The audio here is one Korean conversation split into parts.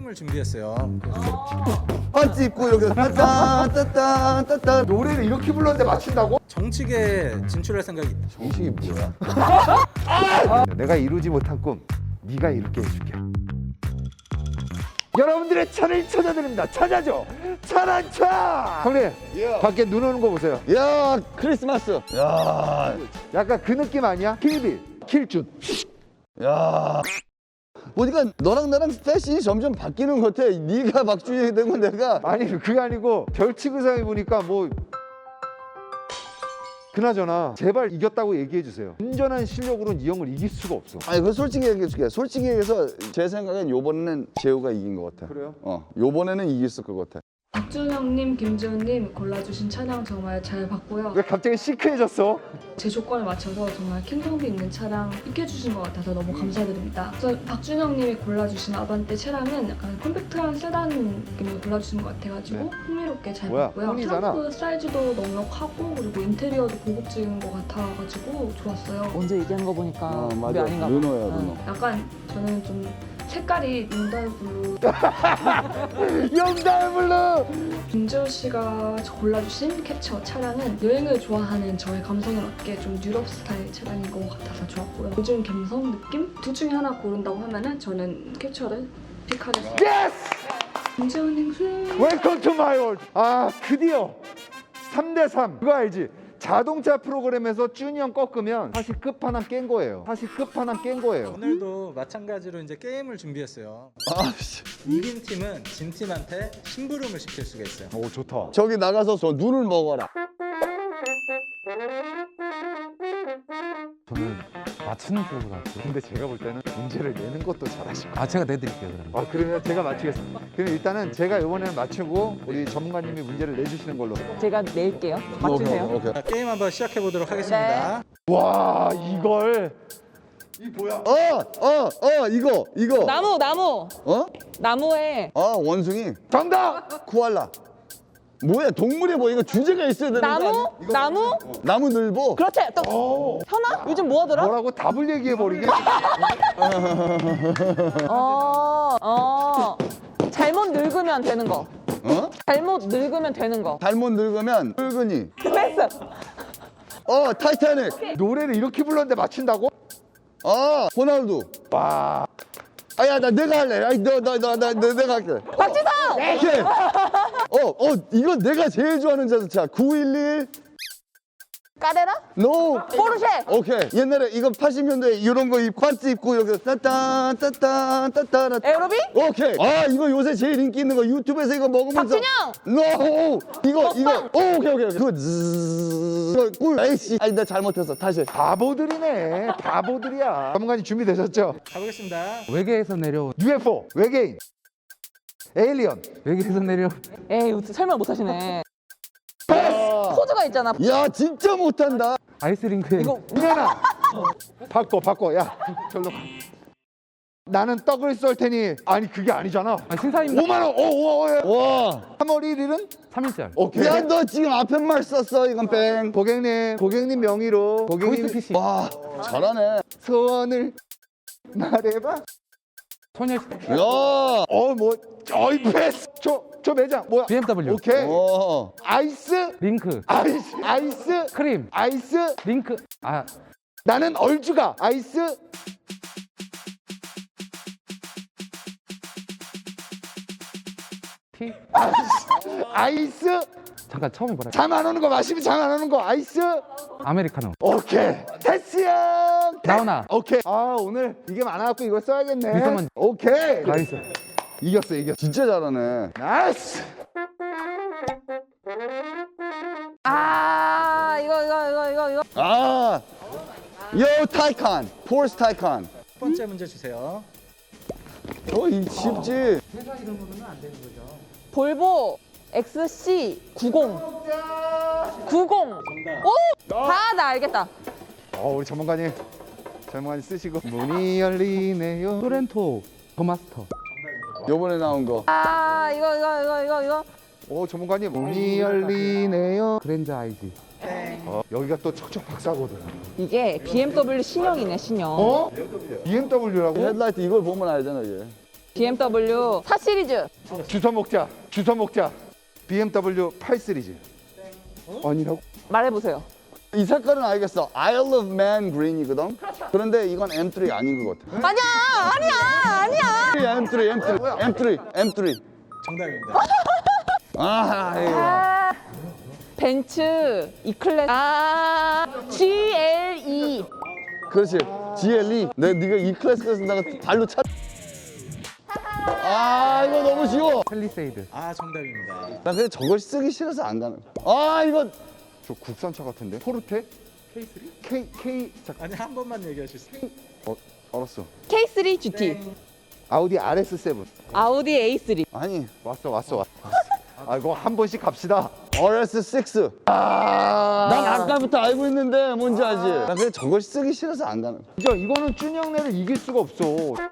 게임을 준비했어요. 반지 입고 여기서 따따따따따따 노래를 이렇게 불렀는데 맞춘다고? 정치계에 진출할 생각이 있다. 정식이 뭐야? 내가 이루지 못한 꿈 네가 이룰게 해줄게. 여러분들의 차를 찾아드립니다. 찾아줘. 차란차. 형님 밖에 눈 오는 거 보세요. 야 크리스마스. 야, 약간 그 느낌 아니야? 킬빌 킬준. 야. 보니까 너랑 나랑 패션이 점점 바뀌는 것 같아. 네가 박준영이 되고 내가. 아니 그게 아니고 별칙 의상 입으니까 뭐. 그나저나 제발 이겼다고 얘기해 주세요. 온전한 실력으로는 이 형을 이길 수가 없어. 아니 그 솔직히 얘기해줄게. 솔직히 얘기해서 제 생각엔 요번에는 재호가 이긴 것 같아. 그래요? 요번에는 이겼을 것 같아. 박준영님, 김지훈님 골라주신 차량 정말 잘 봤고요. 왜 갑자기 시크해졌어? 제 조건에 맞춰서 정말 킹성비 있는 차량 입혀주신 것 같아서 너무 감사드립니다. 우선 박준영님이 골라주신 아반떼 차량은 약간 컴팩트한 세단 느낌으로 골라주신 것 같아가지고 흥미롭게 잘 뭐야, 봤고요. 혼이잖아. 트렁크 사이즈도 넉넉하고 그리고 인테리어도 고급진 것 같아가지고 좋았어요. 언제 얘기하는 거 보니까 우리 맞아. 아닌가 봐. 르노야 르노. 약간 저는 좀 색깔이 윤달 블루. 영달블루. 김지훈 씨가 골라주신 캡처 차량은 여행을 좋아하는 저의 감성에 맞게 좀 유럽 스타일 차량인 것 같아서 좋았고요. 요즘 감성 느낌? 둘 중에 하나 고른다고 하면은 저는 캡처를 픽하겠습니다. 예스. 김지훈 행수. 웰컴 투 마이 월드. 아 드디어 3대3 그거 알지? 자동차 프로그램에서 준이 형 꺾으면 사실 끝판왕 깬 거예요. 오늘도 마찬가지로 이제 게임을 준비했어요. 아씨. 이긴 팀은 진 팀한테 심부름을 시킬 수가 있어요. 오 좋다. 저기 나가서 저 눈을 먹어라. 저는 맞추는 쪽으로 갈게요. 근데 제가 볼 때는 문제를 내는 것도 잘하시고. 아, 제가 내드릴게요, 그러면. 아 그러면 제가 맞추겠습니다. 그럼 일단은 제가 이번에는 맞추고 우리 전문가님이 문제를 내주시는 걸로. 제가 낼게요. 맞추세요. 오케이. 자, 게임 한번 시작해 보도록 하겠습니다. 와 이걸. 이거. 나무. 어? 나무에 원숭이. 정답. 코알라. 뭐야 동물이 뭐 이거 주제가 있어야 되는 거 아니야? 나무? 나무 늘보. 그렇지. 또 현아? 요즘 뭐 하더라? 뭐라고 답을 얘기해 버리게. 잘못 늙으면 되는 거. 잘못 늙으면 되는 거. 잘못 늙으면 늙은이. 패스. 타이타닉. 노래를 이렇게 불렀는데 맞춘다고? 호날두. 와. 아야 나 내가 할래. 아니 내가 할게. 박지성. 오케이. 이건 내가 제일 좋아하는 자동차. 911. 까레라? 노. 포르쉐. 오케이. 옛날에 이거 80년대 이런 거 관지 입고 여기 따따따따따따따. 에어로빅? 오케이. 이거 요새 제일 인기 있는 거 유튜브에서 이거 먹으면서. 박준영. 노. 이거. 먹방. 오케이. 그 이거 꿀. 에이씨. 아니 나 잘못했어. 다시. 바보들이네. 바보들이야. 전문가님 준비되셨죠? 가보겠습니다. 외계에서 내려, UFO, 외계인, 에일리언. 외계에서 내려. 에이, 설명 못 하시네. 포즈가 있잖아. 야 진짜 못한다. 아이스링크에. 이거 민현아. 바꿔. 야, 절로 가. 나는 떡을 쏠 테니. 아니 그게 아니잖아. 아, 신사입니다. 5만 원. 오. 와. 3월 1일은 3일절. 오케이. 야 너 지금 앞에 말 썼어. 이건 뺑. 고객님 명의로 고객님 보이스피싱. 와 잘하네. 소원을 말해봐. 소녀시대. 야. 어이 패스. 저 매장 뭐야? BMW. 오케이. 어. 아이스. 링크. 아이스. 크림. 아이스. 링크. 아, 나는 얼주가. 아이스. 티. 아이스. 잠깐, 처음에 뭐라. 잠 안 오는 거 마시면 잠 안 오는 거. 아이스. 아메리카노. 오케이. 테스 형. 나오나. 오케이. 오늘 이게 많아갖고 이거 써야겠네. 미소만. 오케이. 나이스. 이겼어. 진짜 잘하네. 나이스. 이거. 요 타이칸. 포르쉐 타이칸. 첫 번째 문제 주세요. 이 쉽지. 볼보 XC90. 90. 오! 다 나 알겠다. 우리 전문가님 쓰시고 문이 열리네요. 토렌토. 더마스터. 요번에 나온 거. 이거. 전문가님 문이 열리네요. 그랜저 IG. 여기가 또 척척 박사거든. 이게 BMW 신형이네, 신형. BMW라고? 헤드라이트 이걸 보면 알잖아 얘. BMW 4 시리즈. 주워 먹자. BMW 8 시리즈. 아니라고? 말해보세요. 이 색깔은 알겠어. Isle of Man green이거든. 그런데 이건 M3 아닌 것 같아. 아니야. M3. 정답입니다. 아, 벤츠 E클래스. GLE. 그렇지. GLE. 네가 이 클래스에서 내가 발로 차. 이거 너무 쉬워. 펠리세이드. 아 정답입니다. 나 근데 저걸 쓰기 싫어서 안 가는 거야. 이거 저 국산차 같은데? 포르테? K3? K 아니 한 번만 얘기하실 수 있어요? 알았어. K3 GT. 아우디 RS7. 아우디 A3. 아니 왔어. 아 이거 한 번씩 갑시다. RS6. 난 아까부터 알고 있는데 뭔지 알지? 나 근데 저걸 쓰기 싫어서 안 가는 거야. 진짜 이거는 준이 형네를 이길 수가 없어.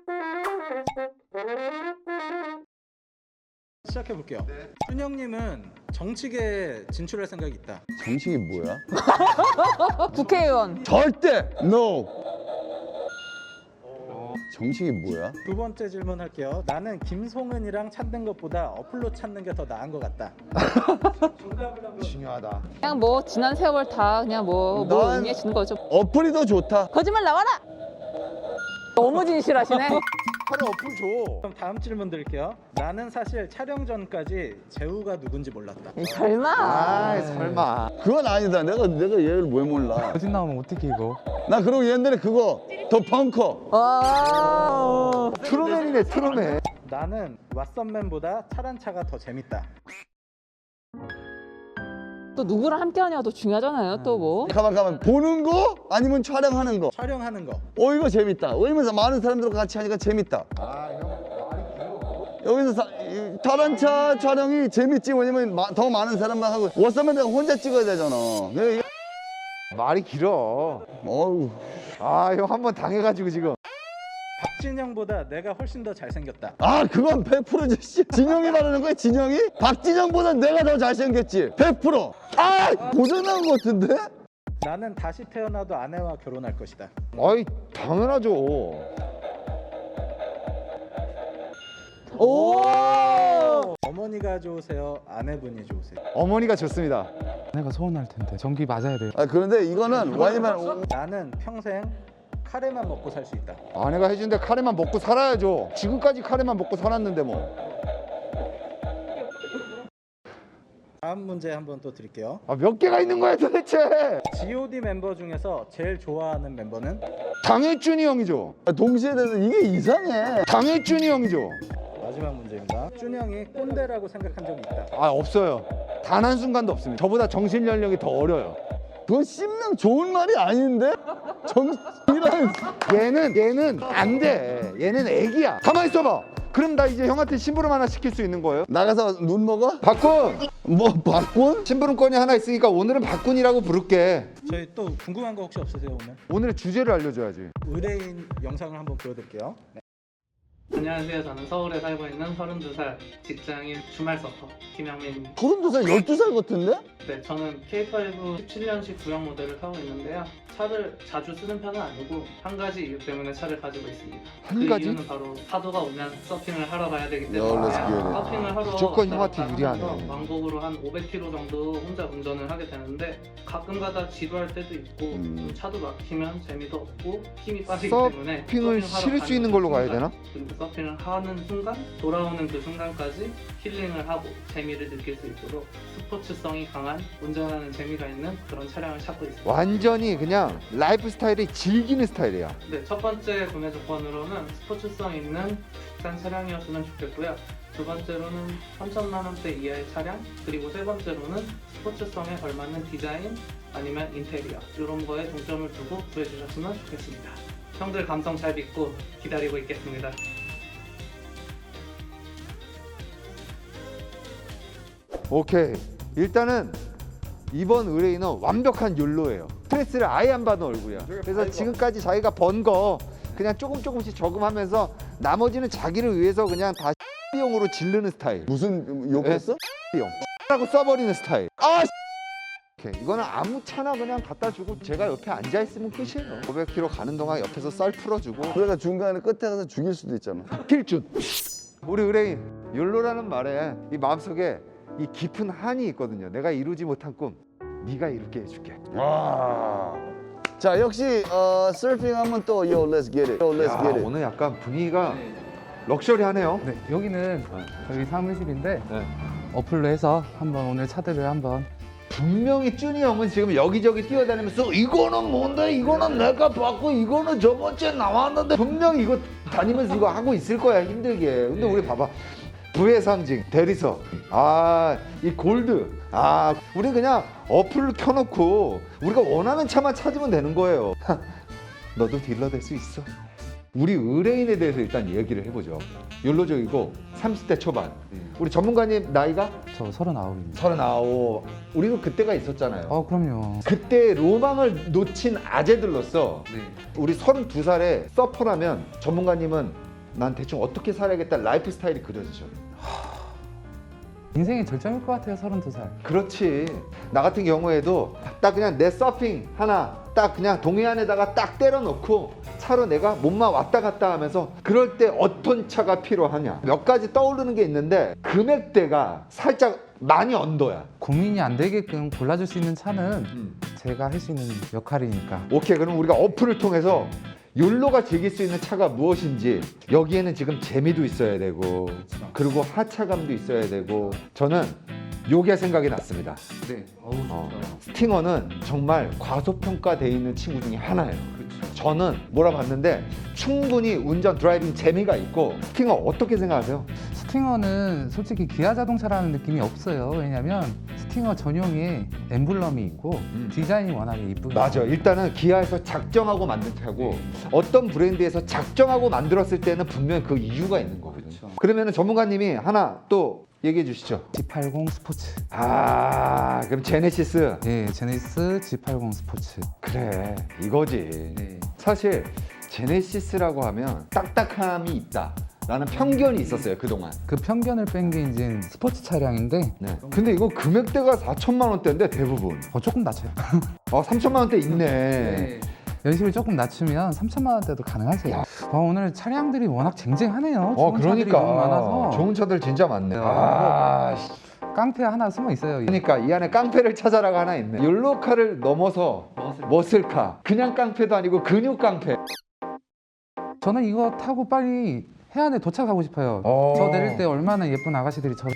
시작해 볼게요. 준영님은 정치계에 진출할 생각이 있다. 정식이 뭐야? 국회의원. 절대 no. 정식이 뭐야? 두 번째 질문 할게요. 나는 김송은이랑 찾는 것보다 어플로 찾는 게 더 나은 것 같다. 중요하다. 그냥 뭐 지난 세월 다 그냥 뭐 난- 의미해 주는 거죠. 어플이 더 좋다. 거짓말 나와라. 너무 진실하시네. 차라리 어플 줘. 그럼 다음 질문 드릴게요. 나는 사실 촬영 전까지 재우가 누군지 몰랐다. 설마. 설마. 그건 아니다. 내가 얘를 왜 몰라? 거짓 나오면 어떻게 이거? 나 그리고 옛날에 그거 더 펑커. 와. 트루맨이네 트루맨. 나는 왓썸맨보다 차란차가 더 재밌다. 또 누구랑 함께 하냐가 더 중요하잖아요. 또 뭐. 가만. 보는 거 아니면 촬영하는 거. 촬영하는 거. 이거 재밌다. 왜냐면 많은 사람들과 같이 하니까 재밌다. 여기서 타란차 촬영이 재밌지. 왜냐면 더 많은 사람만 하고 워서면 내가 혼자 찍어야 되잖아. 말이 길어. 어우. 형 한 번 당해가지고 지금. 박진영보다 내가 훨씬 더 잘생겼다. 그건 100%지. 씨. 진영이 말하는 거야, 진영이? 박진영보다 내가 더 잘생겼지. 100%. 고장난 것 같은데? 나는 다시 태어나도 아내와 결혼할 것이다. 아이 당연하죠. 오! 어머니가 좋으세요? 아내분이 좋으세요? 어머니가 좋습니다. 내가 서운할 텐데. 전기 맞아야 돼. 그런데 이거는 왜냐면 나는 평생 카레만 먹고 살 수 있다. 아내가 해준데 카레만 먹고 살아야죠. 지금까지 카레만 먹고 살았는데 뭐. 다음 문제 한번 또 드릴게요. 몇 개가 있는 거야 도대체? G.O.D 멤버 중에서 제일 좋아하는 멤버는? 당일준이 형이죠. 동시에 대해서 이게 이상해. 당일준이 형이죠. 마지막 문제입니다. 준영이 꼰대라고 생각한 적이 있다. 없어요. 단 한 순간도 없습니다. 저보다 정신 연령이 더 어려요. 그건 씹는 좋은 말이 아닌데? 정이란 얘는 안 돼. 얘는 애기야. 가만히 있어봐. 그럼 나 이제 형한테 심부름 하나 시킬 수 있는 거예요? 나가서 눈 먹어? 박군! 뭐 바꾼? 심부름권이 하나 있으니까 오늘은 박군이라고 부를게. 저희 또 궁금한 거 혹시 없으세요 오늘? 오늘의 주제를 알려줘야지. 의뢰인 영상을 한번 보여드릴게요. 네. 안녕하세요. 저는 서울에 살고 있는 32살 직장인 주말 서퍼 김영민입니다. 32살, 12살 같은데? 네, 저는 K5 17년식 구형 모델을 타고 있는데요. 차를 자주 쓰는 편은 아니고 한 가지 이유 때문에 차를 가지고 있습니다. 한 그 가지? 이유는 바로 파도가 오면 서핑을 하러 가야 되기 야, 때문에 let's get it. 서핑을 하러 무조건 왔다 형한테 갔다 유리하네. 하면서 왕복으로 한 500km 정도 혼자 운전을 하게 되는데 가끔가다 지루할 때도 있고 또 차도 막히면 재미도 없고 힘이 빠지기 때문에 서핑을 서핑하러 실을 수 가는 있는 그 걸로 가야 순간, 되나? 그리고 서핑을 하는 순간 돌아오는 그 순간까지 힐링을 하고 재미를 느낄 수 있도록 스포츠성이 강한 운전하는 재미가 있는 그런 차량을 찾고 있습니다. 완전히 그냥 라이프 스타일이 즐기는 스타일이야. 네, 첫 번째 구매 조건으로는 스포츠성 있는 국산 차량이었으면 좋겠고요. 두 번째로는 3천만 원대 이하의 차량, 그리고 세 번째로는 스포츠성에 걸맞는 디자인 아니면 인테리어 이런 거에 중점을 두고 구해주셨으면 좋겠습니다. 형들 감성 잘 믿고 기다리고 있겠습니다. 오케이. 일단은 이번 의뢰인은 완벽한 욜로예요. 스트레스를 아예 안 받는 얼굴이야. 그래서 지금까지 자기가 번 거 그냥 조금씩 저금하면서 나머지는 자기를 위해서 그냥 다 비용으로 지르는 스타일. 무슨 욕했어? 비용. 라고 써버리는 스타일. 오케이. 이거는 아무 차나 그냥 갖다 주고 제가 옆에 앉아 있으면 끝이에요. 500km 가는 동안 옆에서 쌀 풀어주고 그러니까 중간에 끝에 가서 죽일 수도 있잖아. 필준. 우리 의뢰인 욜로라는 말에 이 마음속에 이 깊은 한이 있거든요. 내가 이루지 못한 꿈 네가 이룰게 해줄게. 와. 자 역시 서핑하면 또 yo let's get it. Yo let's 야, get it. 오늘 약간 분위기가 럭셔리하네요. 네, 여기는 저희 사무실인데 네. 어플로 해서 한번 오늘 차들을 한번 분명히 쭈니 형은 지금 여기저기 뛰어다니면서 이거는 뭔데, 이거는 내가 봤고 이거는 저번주에 나왔는데 분명히 이거 다니면서 이거 하고 있을 거야, 힘들게. 근데 우리 봐봐, 부의 상징 대리석, 이 골드, 우리 그냥 어플을 켜놓고 우리가 원하는 차만 찾으면 되는 거예요. 너도 딜러 될 수 있어. 우리 의뢰인에 대해서 일단 얘기를 해보죠. 욜로적이고 30대 초반. 우리 전문가님 나이가 저 39입니다. 39. 우리도 그때가 있었잖아요. 그럼요. 그때 로망을 놓친 아재들로서 우리 32살에 서퍼라면 전문가님은 난 대충 어떻게 살아야겠다 라이프 스타일이 그려지죠. 인생의 절정일 것 같아요, 32살. 그렇지. 나 같은 경우에도 딱 그냥 내 서핑 하나 딱 그냥 동해안에다가 딱 때려놓고 차로 내가 몸만 왔다 갔다 하면서 그럴 때 어떤 차가 필요하냐 몇 가지 떠오르는 게 있는데 금액대가 살짝 많이 언더야. 고민이 안 되게끔 골라줄 수 있는 차는 제가 할 수 있는 역할이니까. 오케이, 그럼 우리가 어플을 통해서 욜로가 즐길 수 있는 차가 무엇인지, 여기에는 지금 재미도 있어야 되고 그리고 하차감도 있어야 되고, 저는 요게 생각이 났습니다. 네. 스팅어는 정말 과소평가되어 있는 친구 중에 하나예요. 저는 몰아봤는데 충분히 운전 드라이빙 재미가 있고. 스팅어 어떻게 생각하세요? 스팅어는 솔직히 기아 자동차라는 느낌이 없어요. 왜냐면 스팅어 전용의 엠블럼이 있고 디자인이 워낙에 이쁘고. 맞아. 일단은 기아에서 작정하고 만든 차고 어떤 브랜드에서 작정하고 만들었을 때는 분명히 그 이유가 있는 거거든요. 그러면 전문가님이 하나 또 얘기해 주시죠. G80 스포츠. 그럼 제네시스. 네, 제네시스 G80 스포츠. 그래, 이거지. 네. 사실 제네시스라고 하면 딱딱함이 있다 라는 편견이 있었어요, 그동안. 그 편견을 뺀 게 이제 스포츠 차량인데 네. 근데 이거 금액대가 4천만 원대인데 대부분 조금 낮춰요. 3천만 원대 있네. 연식을 조금 낮추면 3천만 원대도 가능하세요. 오늘 차량들이 워낙 쟁쟁하네요. 좋은 차들이 너무 많아서. 좋은 차들 진짜 많네. 깡패 하나 숨어 있어요. 그러니까 이 안에 깡패를 찾아라가 하나 있네. 욜로카를 넘어서 머슬카. 그냥 깡패도 아니고 근육 깡패. 저는 이거 타고 빨리 해안에 도착하고 싶어요. 저 내릴 때 얼마나 예쁜 아가씨들이 저.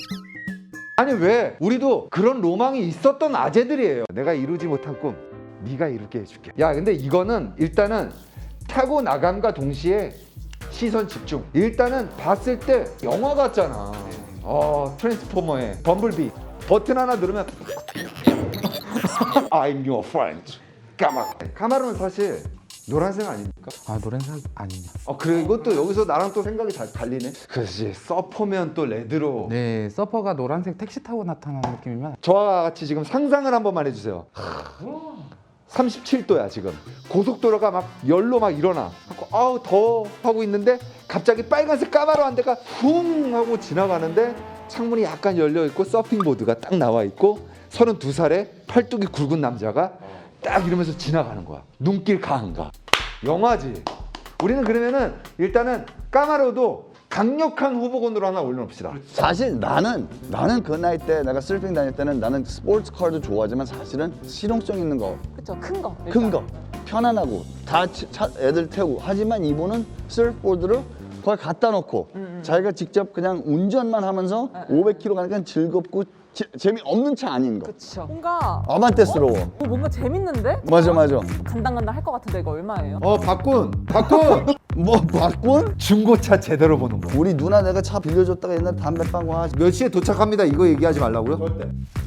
아니 왜? 우리도 그런 로망이 있었던 아재들이에요. 내가 이루지 못한 꿈 네가 이룰게 해줄게. 야, 근데 이거는 일단은 타고 나감과 동시에 시선 집중. 일단은 봤을 때 영화 같잖아. 트랜스포머의 범블비. 버튼 하나 누르면 I'm your friend. 까마르는 사실 노란색 아닙니까? 노란색 아니냐. 그래, 이것도 여기서 나랑 또 생각이 잘 달리네. 그렇지. 서퍼면 또 레드로. 네, 서퍼가 노란색 택시 타고 나타나는 느낌이면. 저와 같이 지금 상상을 한 번만 해주세요. 37도야 지금. 고속도로가 막 열로 막 일어나. 아우 더워 하고 있는데 갑자기 빨간색 까마로 한 대가 쿵 하고 지나가는데 창문이 약간 열려 있고 서핑보드가 딱 나와 있고 32살에 팔뚝이 굵은 남자가 딱 이러면서 지나가는 거야. 눈길 강한가. 영화지. 우리는 그러면은 일단은 까마로도 강력한 후보군으로 하나 올려놓읍시다. 사실 나는 그 나이 때 내가 서핑 다닐 때는 나는 스포츠카도 좋아하지만 사실은 실용성 있는 거, 그쵸, 큰 거. 큰 거, 편안하고 다 애들 태우고. 하지만 이분은 서프보드를 거기 갖다 놓고 자기가 직접 그냥 운전만 하면서 500km 가니까 즐겁고 재미없는 차 아닌 거. 그쵸. 뭔가 아반떼스러워. 뭔가 재밌는데? 맞아. 간당간당 할 것 같은데 이거 얼마예요? 박군 뭐 바꾼? 중고차 제대로 보는 거. 우리 누나 내가 차 빌려줬다가 옛날에 담배 빵 와. 몇 시에 도착합니다 이거 얘기하지 말라고요?